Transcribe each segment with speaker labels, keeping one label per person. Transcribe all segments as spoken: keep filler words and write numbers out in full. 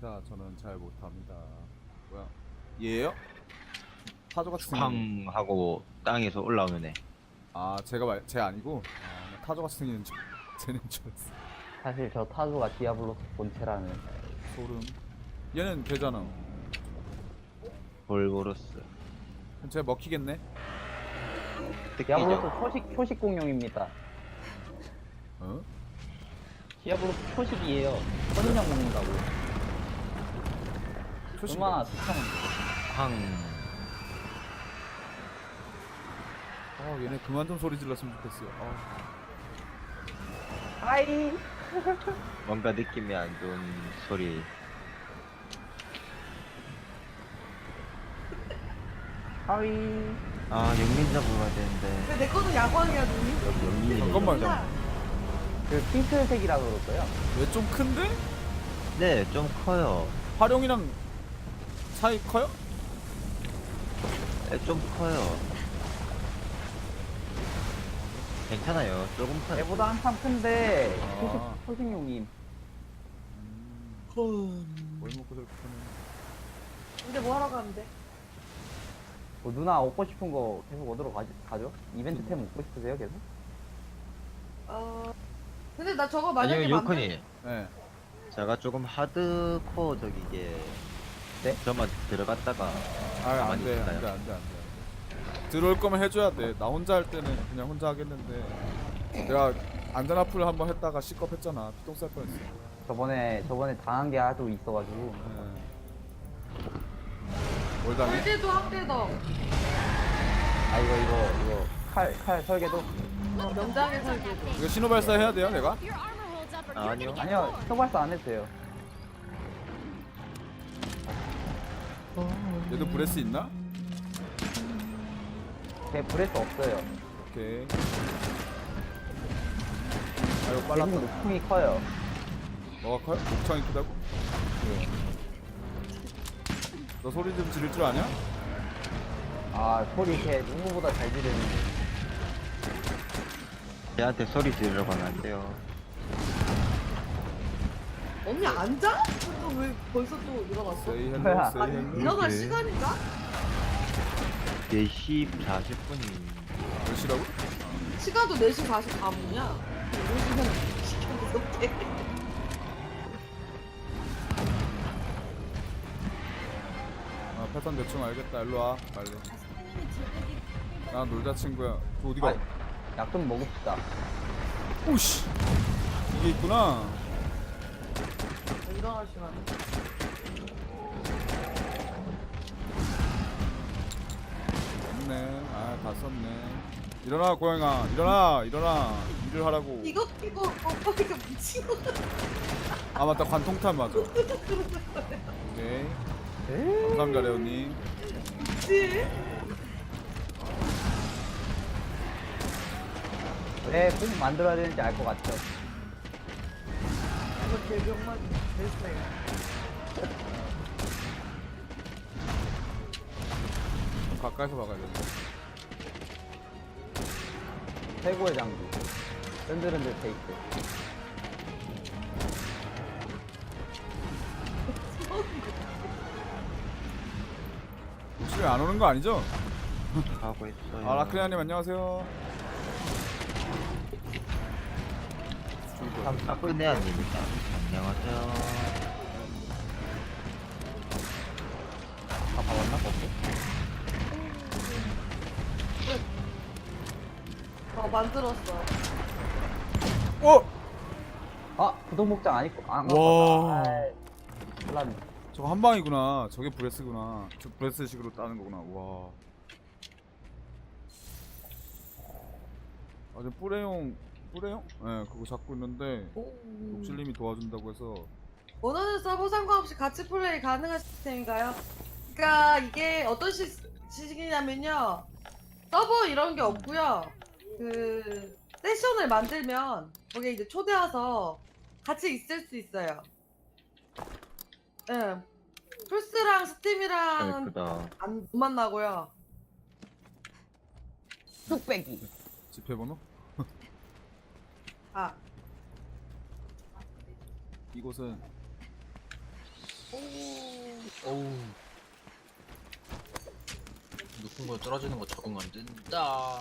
Speaker 1: 못합니다. 저는 잘 못합니다. 뭐야? 얘예요? 타조 같은
Speaker 2: 쾅
Speaker 1: 생긴.
Speaker 2: 하고 땅에서 올라오면 해.
Speaker 1: 아 제가 말, 제 아니고 아, 나 타조 같이 생기는 줄, 쟤는 줄 알았어.
Speaker 3: 사실 저 타조가 디아블로스 본체라는.
Speaker 1: 소름. 얘는 되잖아.
Speaker 2: 볼보로스.
Speaker 1: 쟤 먹히겠네.
Speaker 3: 디아블로스
Speaker 2: 뜯기죠.
Speaker 3: 초식 초식 공룡입니다.
Speaker 1: 어?
Speaker 3: 디아블로스 초식이에요. 선인장 먹는다고.
Speaker 1: 초식.
Speaker 3: 얼마나 비참한데.
Speaker 2: 쾅.
Speaker 1: 어 얘네 그만 좀 소리 질렀으면 좋겠어요. 어.
Speaker 3: 하이.
Speaker 2: 뭔가 느낌이 안 좋은 소리.
Speaker 3: 하이.
Speaker 2: 아, 영민 잡으러 가야 되는데.
Speaker 4: 근데 내 거는 야광이야, 눈이.
Speaker 2: 여기 영민이.
Speaker 1: 잠깐만 잠깐.
Speaker 3: 그 핑크색이라 그럴까요?
Speaker 1: 얘 좀 큰데?
Speaker 2: 네, 좀 커요.
Speaker 1: 활용이랑 차이 커요?
Speaker 2: 네, 좀 커요. 괜찮아요. 조금 커요.
Speaker 3: 얘보다 한참 큰데
Speaker 1: 아.
Speaker 3: 초식 초식용임.
Speaker 1: 뭘 먹고 저렇게 크네.
Speaker 4: 근데 뭐 하러 가는데?
Speaker 3: 뭐 누나 얻고 싶은 거 계속 얻으러 가지, 가죠? 이벤트 템 얻고 싶으세요 계속?
Speaker 4: 어. 근데 나 저거 만약에
Speaker 2: 아니요,
Speaker 4: 맘대-
Speaker 2: 요컨이.
Speaker 1: 네.
Speaker 2: 제가 조금 하드코어적이게.
Speaker 3: 네?
Speaker 2: 저만 들어갔다가.
Speaker 1: 아
Speaker 2: 가만히
Speaker 1: 안돼
Speaker 2: 있을까요?
Speaker 1: 안돼 안돼 안돼. 들어올 거면 해줘야 돼. 나 혼자 할 때는 그냥 혼자 하겠는데 내가 안전 앞을 한번 했다가 시겁 했잖아. 피똥 쌀 뻔했어.
Speaker 3: 저번에 저번에 당한 게 아주 있어가지고.
Speaker 1: 네. 뭘 당해?
Speaker 4: 설계도 학대도
Speaker 3: 아 이거 이거 이거 칼 칼 설계도?
Speaker 4: 어, 명장의 설계도.
Speaker 1: 이거 신호 발사 해야 돼요, 내가?
Speaker 2: 아, 아니요.
Speaker 3: 아니요 초발사 안 해도 돼요.
Speaker 1: 얘도 브레스 있나?
Speaker 3: 제 브레스 없어요.
Speaker 1: 오케이. 아유
Speaker 3: 대신
Speaker 1: 빨랐다.
Speaker 3: 목풍이 커요.
Speaker 1: 뭐가 커요? 목청이 크다고?
Speaker 3: 예.
Speaker 1: 너 소리 좀 지를 줄 아냐?
Speaker 3: 아 소리 걔 누구보다 잘 지르는데.
Speaker 2: 걔한테 소리 지르려고 하면 안 돼요.
Speaker 4: 언니 앉아? 너 왜 벌써 또 일어났어?
Speaker 1: Say hello,
Speaker 3: 뭐야?
Speaker 1: say
Speaker 4: 아니,
Speaker 1: hello.
Speaker 4: 일어날
Speaker 2: 이렇게.
Speaker 4: 시간인가?
Speaker 2: 네 시 사십 분이.
Speaker 1: 몇 시라고?
Speaker 4: 시간도 네 시 사십사 분이야. 이런 시간 시켜서 어떡해.
Speaker 1: 아 패턴 대충 알겠다. 일로 와 빨리. 나 놀자 친구야. 저 어디가?
Speaker 3: 아, 약 좀 먹읍시다.
Speaker 1: 오씨. 이게 있구나.
Speaker 4: 일어날 시간.
Speaker 1: 없네. 아 다 썼네. 일어나 고양아. 일어나 일어나. 일을 하라고.
Speaker 4: 이거 끼고 오빠가 미친 거 같아.
Speaker 1: 아 맞다 관통탄 맞아. 오케이. 감사합니다 레오님.
Speaker 4: 그치?
Speaker 3: 왜 꼭 만들어야 되는지 알 것 같죠?
Speaker 4: 이거 개병만 됐어요.
Speaker 1: 좀 가까이서 박아야 돼.
Speaker 3: 최고의 장비. 흔들흔들 테이프.
Speaker 1: 혹시 왜 안 오는 거 아니죠?
Speaker 2: 하고 있어요.
Speaker 1: 아 라크리아님 안녕하세요.
Speaker 2: 라크네아님이다. 안녕하세요.
Speaker 3: 다 봐봤나? 없어?
Speaker 4: 어, 만들었어.
Speaker 1: 어?
Speaker 3: 아 부동목장 안 입고 안
Speaker 1: 와.
Speaker 3: 몰랐네.
Speaker 1: 저거 한 방이구나. 저게 브레스구나. 저 브레스식으로 따는 거구나. 와. 아, 저 뿌레용 뿌레용? 예, 네, 그거 잡고 있는데 녹실님이 도와준다고 해서.
Speaker 4: 원하는 서버 상관없이 같이 플레이 가능한 시스템인가요? 그러니까 이게 어떤 시, 시기냐면요. 서버 이런 게 없고요. 그 세션을 만들면 거기에 이제 초대 와서 같이 있을 수 있어요. 예. 플스랑 스팀이랑
Speaker 2: 예쁘다.
Speaker 4: 안 못 만나고요.
Speaker 3: 뚝배기.
Speaker 1: 집회번호?
Speaker 4: 아,
Speaker 1: 이곳은
Speaker 4: 오,
Speaker 5: 어우. 높은 거 떨어지는 거 적응 안 된다.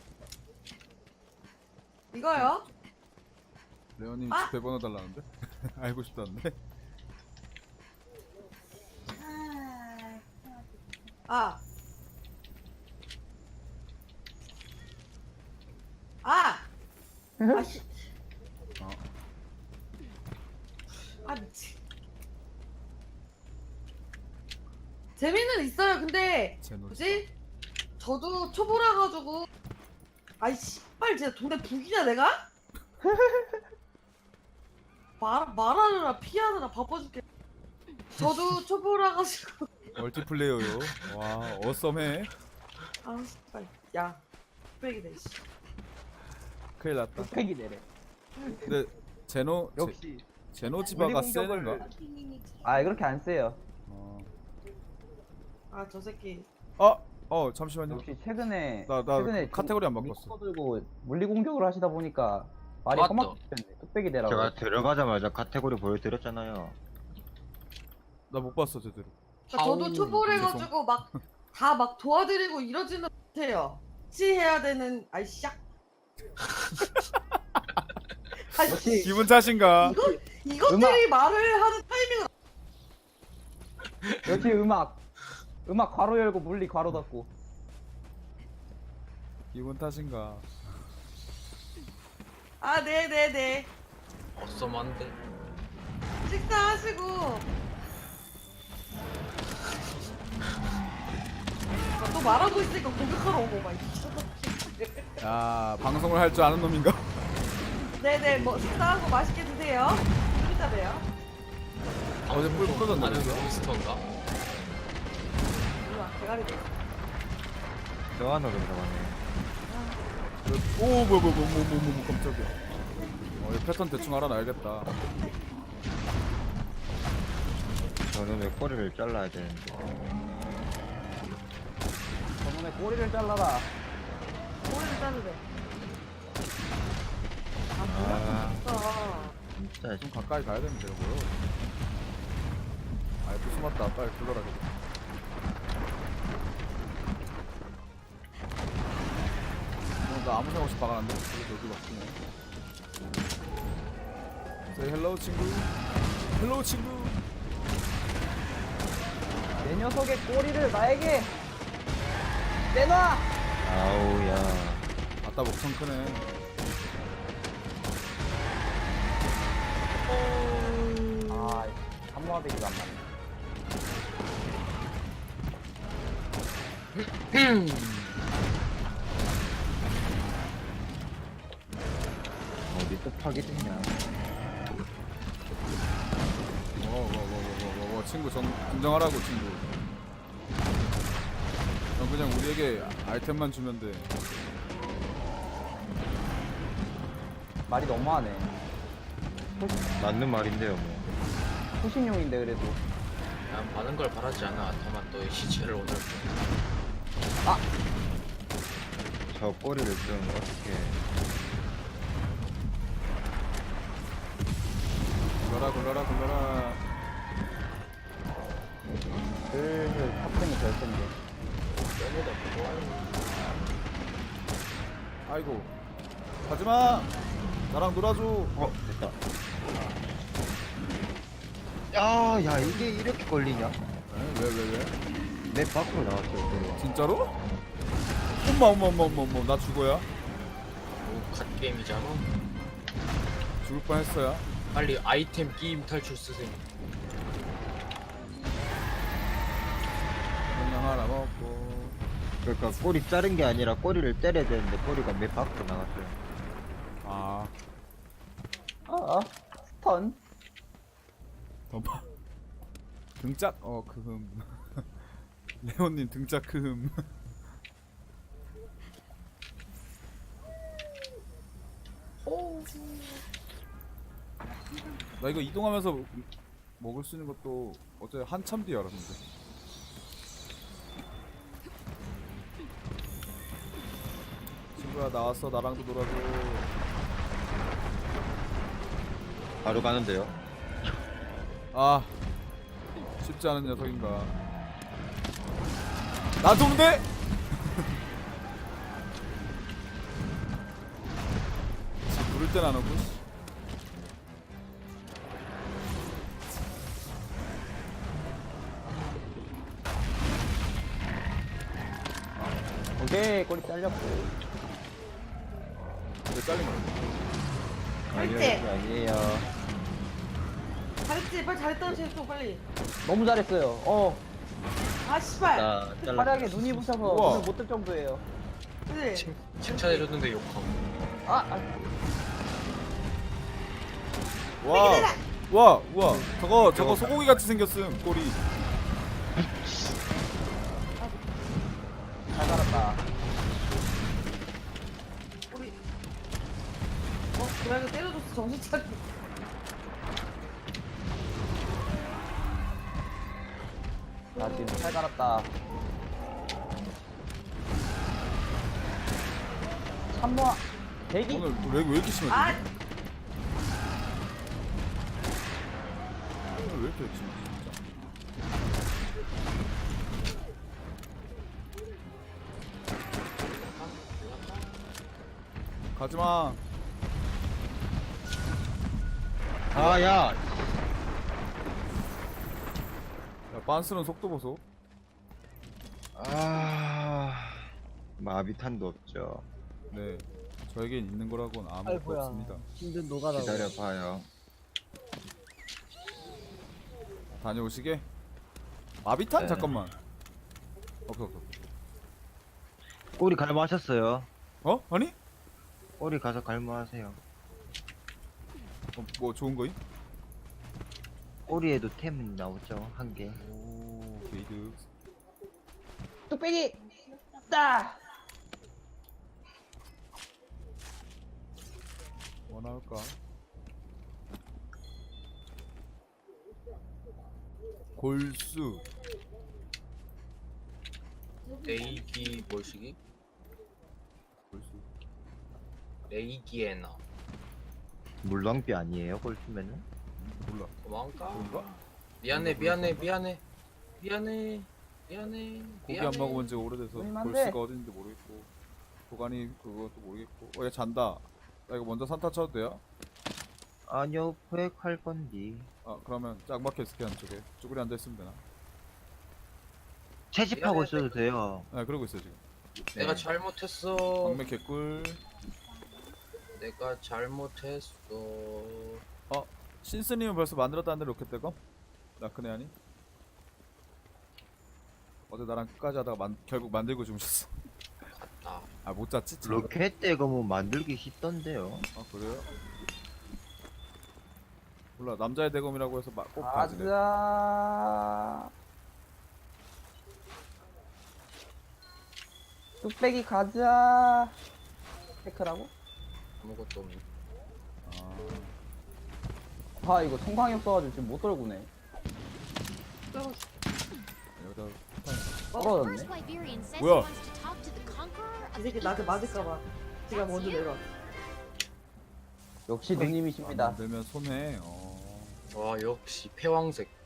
Speaker 4: 이거요?
Speaker 1: 레오님
Speaker 4: 아!
Speaker 1: 집회 번호 달라는데? 알고 싶다는데?
Speaker 4: 아. 아. 아 씨.
Speaker 1: 어.
Speaker 4: 아 미치. 재미는 있어요. 근데
Speaker 1: 제 노래.
Speaker 4: 뭐지? 저도 초보라 가지고 아이씨 빨리 진짜 동네 북이냐 내가? 말 말하느라 피하느라 바빠 죽겠. 저도 초보라 가지고
Speaker 1: 멀티플레이어요. 와, 어썸해.
Speaker 4: 아 씨발 야 빼기네 씨.
Speaker 1: 큰일 났다.
Speaker 3: 뚝배기 내래.
Speaker 1: 근데 제노 제,
Speaker 3: 역시.
Speaker 1: 제노지바가
Speaker 3: 물리
Speaker 1: 세는가?
Speaker 3: 공격을- 아 그렇게 안 세요.
Speaker 1: 어.
Speaker 4: 아 저 새끼
Speaker 1: 어, 어 잠시만요.
Speaker 3: 역시 최근에
Speaker 1: 나- 나
Speaker 3: 최근에
Speaker 1: 카테고리 안 바꿨어.
Speaker 3: 미끄러 들고 물리 공격을 하시다 보니까 말이
Speaker 5: 맞다.
Speaker 3: 험악해졌네. 뚝배기 내라고.
Speaker 2: 제가 들어가자마자 카테고리 보여드렸잖아요.
Speaker 1: 나 못 봤어 제대로.
Speaker 4: 그러니까 저도
Speaker 5: 아우,
Speaker 4: 초보래
Speaker 1: 죄송.
Speaker 4: 가지고 막 다 막 도와드리고 이러지는 못해요. 같이 해야 되는 아이 샥. 아이
Speaker 3: 역시
Speaker 1: 기분 탓인가?
Speaker 4: 이것들이 말을 하는 타이밍은
Speaker 3: 역시 음악 음악 괄호 열고 물리 괄호 닫고.
Speaker 1: 기분 탓인가?
Speaker 4: 아 네네네
Speaker 5: 어썸한데.
Speaker 4: 식사하시고 아, 또 말하고 있으니까 공격하러 오고 막
Speaker 1: 야, 방송을 할 줄 아는 놈인가?
Speaker 4: 네네 뭐 식사하고 맛있게 드세요. 좀 이따 봬요.
Speaker 1: 어제 뿔 끊어졌나
Speaker 5: 아는
Speaker 1: 그래서?
Speaker 5: 몬스터인가?
Speaker 4: 우와 대가리 돼.
Speaker 2: 저 안으로 들어가네.
Speaker 1: 오, 뭐야, 뭐야, 뭐야, 뭐, 뭐, 뭐, 뭐, 깜짝이야. 어, 이 패턴 대충 알아놔야겠다.
Speaker 2: 저는 왜 꼬리를 잘라야 되는데.
Speaker 3: 저번에 꼬리를 잘라라.
Speaker 4: 머리를 자르래. 아
Speaker 2: 아,
Speaker 4: 뭐야
Speaker 2: 진짜.
Speaker 1: 좀 가까이 가야 되는데, 이거요. 아이, 또 숨었다. 빨리 불러라, 그래. 어, 나 아무 생각 없이 박아놨는데? 여기, 여기 막히네. Say hello, 친구. 헬로우, 친구.
Speaker 3: 내 녀석의 꼬리를 나에게 내놔.
Speaker 2: 아우야.
Speaker 1: 아따, 목청 크네.
Speaker 3: 아 한모아베기가 안 맞네.
Speaker 2: 어디 또 파괴됐냐.
Speaker 1: 어, 뭐, 뭐, 뭐, 뭐, 뭐, 뭐, 친구 정, 진정하라고, 친구. 넌 그냥 우리에게 아이템만 주면 돼.
Speaker 3: 말이 너무하네.
Speaker 2: 맞는 말인데요, 뭐.
Speaker 3: 호신용인데 그래도.
Speaker 5: 난 많은 걸 바라지 않아. 다만 너의 시체를 오늘
Speaker 2: 저 꼬리를 좀 어떻게.
Speaker 1: 굴러라, 굴러라, 굴러라.
Speaker 3: 슬슬 탑승이 될 텐데.
Speaker 1: 아이고. 가지마! 나랑 놀아줘.
Speaker 2: 어, 됐다. 야, 야, 이게 이렇게 걸리냐?
Speaker 1: 에? 왜, 왜, 왜?
Speaker 2: 내 밖으로 나왔어요, 또.
Speaker 1: 진짜로? 엄마, 엄마, 엄마, 엄마, 엄마. 나 죽어야?
Speaker 5: 뭐 갓게임이잖아.
Speaker 1: 죽을 뻔 했어야.
Speaker 5: 빨리 아이템 게임 탈출 쓰세요.
Speaker 1: 그냥 하나 먹고.
Speaker 2: 그러니까 꼬리 자른 게 아니라 꼬리를 때려야 되는데 꼬리가 내 밖으로 나갔어요.
Speaker 1: 아,
Speaker 3: 아 스턴.
Speaker 1: 덤파. 등짝? 어, 크흠. 레온님 등짝 크흠. 나 이거 이동하면서 먹을 수 있는 것도 어제 한참 뒤에 알았는데. 친구야 나왔어. 나랑도 놀아줘.
Speaker 2: 바로 가는데요.
Speaker 1: 아, 쉽지 않은 녀석인가. 나한테 오는데? 지 부를 땐 안 오고. 씨.
Speaker 3: 오케이 꼬리 잘렸고.
Speaker 1: 왜 잘린 거야?
Speaker 2: 아니요
Speaker 4: 그렇지.
Speaker 2: 아니에요.
Speaker 4: 잘했지. 빨리 잘했다는 제또 빨리.
Speaker 3: 너무 잘했어요. 어
Speaker 4: 아 씨발.
Speaker 2: 나 잘라.
Speaker 3: 화려하게 눈이 부셔서
Speaker 1: 우와.
Speaker 3: 눈을 못 뜰 정도예요.
Speaker 4: 그래.
Speaker 5: 칭, 칭찬해줬는데 욕하고.
Speaker 3: 아, 아
Speaker 1: 와, 와, 우와. 저거 저거 소고기 같이 생겼음. 꼬리.
Speaker 3: 잘 살았다.
Speaker 4: 우리. 어 고양이 때려줬어 정신 차려.
Speaker 3: 나 지금 잘 갈았다. 삼 번 대기.
Speaker 1: 오늘 왜, 왜 이렇게 심해?
Speaker 4: 아
Speaker 1: 오늘 왜 이렇게 심해? 진짜. 가지마.
Speaker 2: 아야.
Speaker 1: 야, 빤스는 속도 보소.
Speaker 2: 아 마비탄도 없죠.
Speaker 1: 네, 저에겐 있는 거라고는 아무것도
Speaker 3: 아이고야.
Speaker 1: 없습니다.
Speaker 3: 힘든 노가다.
Speaker 2: 기다려봐요.
Speaker 1: 다녀오시게. 마비탄?
Speaker 2: 네.
Speaker 1: 잠깐만. 오케이 오케이.
Speaker 2: 꼬리 갈무하셨어요.
Speaker 1: 어? 아니?
Speaker 2: 꼬리 가서 갈무하세요.
Speaker 1: 어, 뭐 좋은 거임?
Speaker 2: 꼬리에도 템 나오죠 한 개.
Speaker 1: 오, 게이드.
Speaker 3: 뚝배기. 따.
Speaker 1: 뭐 나올까? 골수.
Speaker 5: 레이기 뭘시기?
Speaker 1: 골수.
Speaker 5: 레이기에나.
Speaker 2: 물렁비 아니에요 골수면은?
Speaker 1: 몰라.
Speaker 5: 도망가.
Speaker 1: 그런가?
Speaker 5: 미안해 미안해 미안해 미안해 미안해.
Speaker 1: 고기 안 먹어본 지가 오래돼서
Speaker 3: 얼마 안
Speaker 1: 골수가
Speaker 3: 돼.
Speaker 1: 어딘지 모르겠고 도가니 그것도 모르겠고. 어, 얘 잔다. 나 이거 먼저 산타 쳐도 돼요?
Speaker 2: 아니요 포획할 건디.
Speaker 1: 아, 그러면 짝 막혀 있을게 한쪽에. 쭈그리 앉아 있으면 되나?
Speaker 2: 채집하고
Speaker 5: 미안해.
Speaker 2: 있어도 돼요.
Speaker 1: 네, 그러고 있어요 지금.
Speaker 5: 내가
Speaker 2: 네.
Speaker 5: 잘못했어.
Speaker 1: 방매 개꿀.
Speaker 5: 내가 잘못했어.
Speaker 1: 신스님은 벌써 만들었다는데 로켓대검? 나크네 아니? 어제 나랑 끝까지 하다가 만, 결국 만들고 주무셨어.
Speaker 5: 나
Speaker 1: 아, 못 잤지? 참.
Speaker 2: 로켓 대검은 만들기 쉽던데요.
Speaker 1: 아, 그래요? 몰라, 남자의 대검이라고 해서 막 꼭 가지래.
Speaker 3: 가자. 뚝배기 가자. 테크라고?
Speaker 5: 아무것도 없네.
Speaker 1: 아,
Speaker 3: 아 이거 성광이 없어가지고 지금 못 떨구네.
Speaker 4: 떨어졌어.
Speaker 1: 여기다
Speaker 3: 떨어졌네.
Speaker 1: 뭐야?
Speaker 4: 이 새끼 나한테 맞을까봐 지가 먼저 내려왔어.
Speaker 3: 역시 누님이십니다.
Speaker 1: 안 되면 손해. 어.
Speaker 5: 와 역시 패왕색.